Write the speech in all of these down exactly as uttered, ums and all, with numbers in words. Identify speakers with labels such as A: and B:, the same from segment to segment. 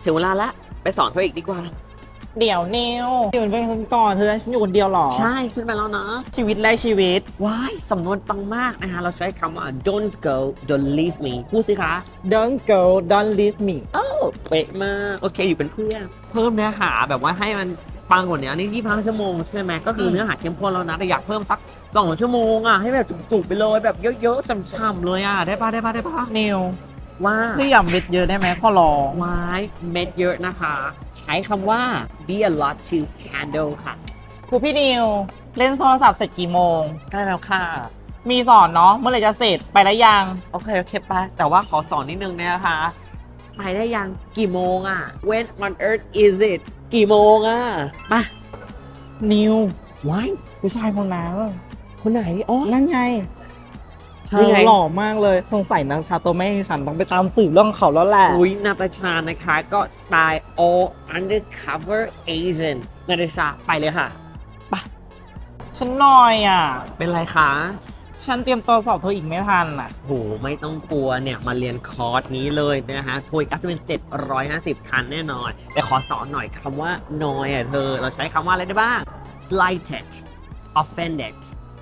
A: ถึงเวลาละไปสอนเธออีกดีกว่า
B: เดี๋ยวนิวอยู่เป็นคนก่อนเธอฉันอยู่คนเดียวหรอ
A: ใช่ขึ้นไปแล้วนะ
B: ชีวิตแรกชีวิต
A: ว้ายสำนวนปังมากนะคะเราใช้คำว่า don't go don't leave me พูดสิคะ
B: Don't go don't leave me
A: เออเป๊ะมากโอเคอยู่เป็นเพื่อนเพิ่มเนื้อหาแบบว่าให้มันปังกว่านี้นี่ยี่สิบห้าชั่วโมงใช่ไหมก็คือเนื้อหาเข้มข้นแล้วนะแต่อยากเพิ่มสักสองชั่วโมงอ่ะให้แบบจุกๆไปเลยแบบเยอะๆช่ำๆเลยอ่ะได้ปะได้ปะได้ปะ
B: นิว
A: ว่า
B: คืออย่าเม็ดเยอะได้ไหมขอร้อง
A: ไว้เม็ดเยอะนะคะใช้คำว่า be a lot to handle ค่ะ
B: ครูพี่นิวเล่นโทรศัพท์เสร็จกี่โมง
A: ได้แล้วค่ะ
B: มีสอนเนาะเมื่อไหร่จะเสร็จไปแล้วยัง
A: โอเคโอเคไปแต่ว่าขอสอนนิดนึงนะคะไปได้ยังกี่โมงอ่ะ when on earth is it กี่โมงอ่ะมา
B: นิว
A: ว้าย
B: ผู้ชายคนนั้น
A: คนไหนอ๋อ
B: นั่นไงเธอหล่อมากเลยสงสัยนางชาโตแม่ฉันต้องไปตามสืบเรื่องเขาแล้วแหละ
A: อุ้ยนาตาชานะคะก็ spy all undercover agent นาตาชาไปเลยค่ะไป
B: ฉันหน่อยอ่ะ
A: เป็นไรคะ
B: ฉันเตรียมตัวสอบเธออีกไม่ทันอ่ะ
A: โหไม่ต้องกลัวเนี่ยมาเรียนคอร์สนี้เลยนะฮะทัวร์กัสเป็นเจ็ดร้อยห้าสิบคันแน่นอนแต่ขอสอนหน่อยคำว่า น้อยอ่ะเธอเราใช้คำว่าอะไรได้บ้าง slighted offended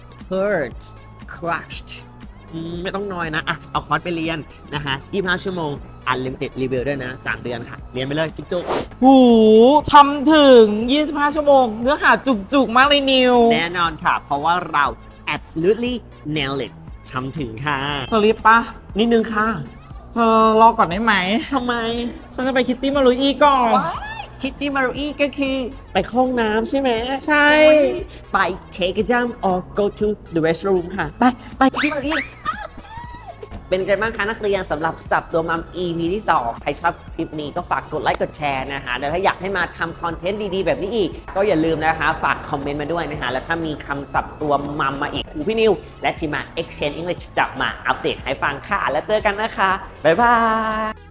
A: hurt crushed ไม่ต้องน้อยนะอ่ะเอาคอร์สไปเรียนนะฮะยี่สิบห้าชั่วโมง unlimited review ด้วยนะสามเดือนค่ะเรียนไปเลยจุ๊บ
B: ๆหูทำถึงยี่สิบห้าชั่วโมงเนื้อหาจุกๆมากเลยนิว
A: แน่นอนค่ะเพราะว่าเรา absolutely nail it ทำถึงค่ะ
B: เธอรีบปะ
A: นิดนึงค่ะ
B: เธอรอก่อนได้ไหม
A: ทำไม
B: ฉันจะไปคิตตี้มารุอีก่อน
A: คิตตี้มารุอีก็คือไปห้องน้ำใช่ไหม
B: ใช่
A: ไป take a dump or go to the restroom ค่ะไปไปคิตตี้มารุอีเป็นไงบ้างคะนักเรียนสำหรับสับตัวมัม อี พี ที่สองใครชอบคลิปนี้ก็ฝากกดไลค์กดแชร์นะคะแล้วถ้าอยากให้มาทำคอนเทนต์ดีๆแบบนี้อีกก็อย่าลืมนะคะฝากคอมเมนต์มาด้วยนะคะแล้วถ้ามีคำศัพท์ตัวมัมมาอีกครูพี่นิวและทีมงาน Exchange English จะมาอัปเดตให้ฟังค่ะแล้วเจอกันนะคะบ๊ายบาย